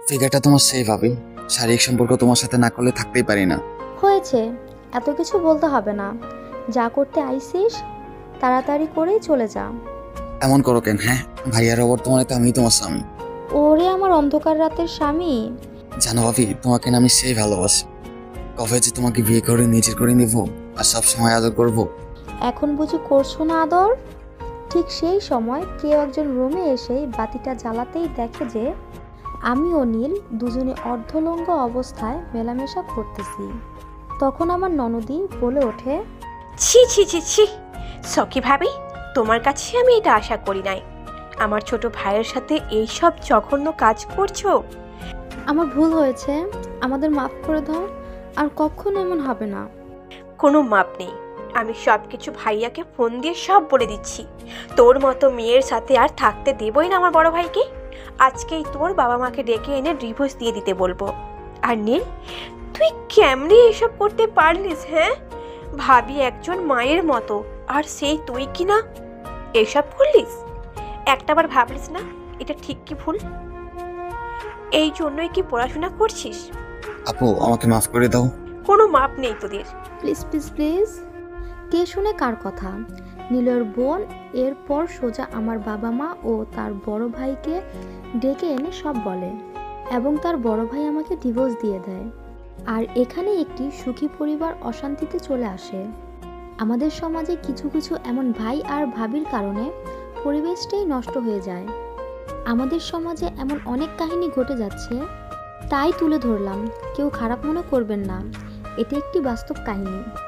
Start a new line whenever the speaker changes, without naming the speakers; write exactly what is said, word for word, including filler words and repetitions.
ফিগারটা তোমার সেই ভাবি, শারীরিক সম্পর্ক তোমার সাথে না করলে থাকতেই পারি না।
হয়েছে, এত কিছু বলতে হবে না। যা করতে আইসিস তাড়াতাড়ি করেই চলে যা।
এমন করো কেন? হ্যাঁ, ভাইয়ার অবর তোমার তো আমি তোমার স্বামী।
ওরে আমার অন্ধকার রাতের স্বামী।
জানো ভাবি, তোমাকে না আমি সেই ভালোবাসি। কবে যে তোমাকে বিয়ে করে নিজের করে নিব আর সব সময় আদর করবো।
এখন বুঝি করছো না আদর? ঠিক সেই সময় কেউ একজন রুমে এসে বাতিটা জ্বালাতেই দেখে যে আমি ও নীল দুজনে অর্ধলঙ্গ অবস্থায় মেলামেশা করতেছি। তখন আমার ননদি বলে ওঠে,
ছি ছি ছি ছি, সখী ভাবি, তোমার কাছে আমি এটা আশা করি নাই। আমার ছোট ভাইয়ের সাথে এইসব জঘন্য কাজ করছো।
আমার ভুল হয়েছে, আমাদের মাফ করে দাও, আর কখনো এমন হবে না।
কোনো মাপ নেই। আমি সব কিছু ভাইয়াকে ফোন দিয়ে সব বলে দিচ্ছি। তোর মতো মেয়ের সাথে আর থাকতে দেবই না আমার বড় ভাইকে। আজকেই তোর বাবা মাকে ডেকে এনে ডিভোর্স দিয়ে দিতে বলবো। আর নীল, তুই কেমনে এসব করতে পারলিস? হ্যাঁ, ভাবি একজন মায়ের মতো, আর সেই তুই কি না এসব করলিস? একটাবার ভাবলিস না এটা ঠিক কি ভুল? এই জন্যই কি পড়াশোনা করছিস?
আপু, আমাকে মাফ করে দাও।
কোনো মাপ নেই তোদের।
Please please please. কে শুনে কার কথা? নীলের বোন এরপর সোজা আমার বাবা মা ও তার বড় ভাইকে ডেকে এনে সব বলে, এবং তার বড় ভাই আমাকে ডিভোর্স দিয়ে দেয়। আর এখানে একটি সুখী পরিবার অশান্তিতে চলে আসে। আমাদের সমাজে কিছু কিছু এমন ভাই আর ভাবির কারণে পরিবেশটাই নষ্ট হয়ে যায়। আমাদের সমাজে এমন অনেক কাহিনী ঘটে যাচ্ছে, তাই তুলে ধরলাম। কেউ খারাপ মনে করবেন না, এটি একটি বাস্তব কাহিনী।